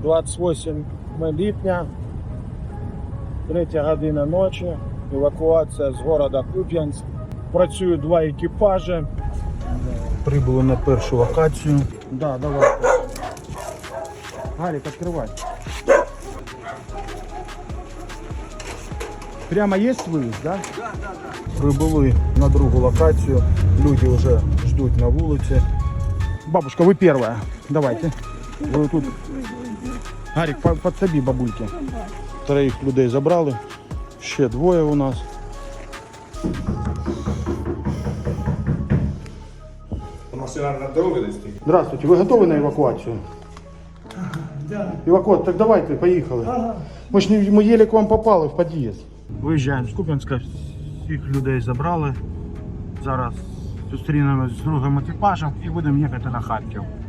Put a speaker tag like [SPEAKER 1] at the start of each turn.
[SPEAKER 1] 28 липня, 3 година ночі, евакуація з міста Куп'янськ. Працюють 2 екіпажі. Прибули на першу локацію. Да, давай. Гарик, відкривай. Прямо є виїзд, да? Да. Прибули на другу локацію. Люди вже ждуть на вулиці. Бабушка, ви перша. Давайте. Ви тут. Гарик, подсоби бабульки. 3 людей забрали. Ще 2 у нас.
[SPEAKER 2] Машина на дорогу десь стоїть?
[SPEAKER 1] Здравствуйте, ви готові на евакуацію?
[SPEAKER 3] Да.
[SPEAKER 1] Евакуація, так давайте, поїхали.
[SPEAKER 3] Ага.
[SPEAKER 1] Ми еле к вам попали в під'їзд. Виїжджаємо з Куп'янська, всіх людей забрали. Зараз зустрінемось з другим екіпажем і будемо їхати на Харків.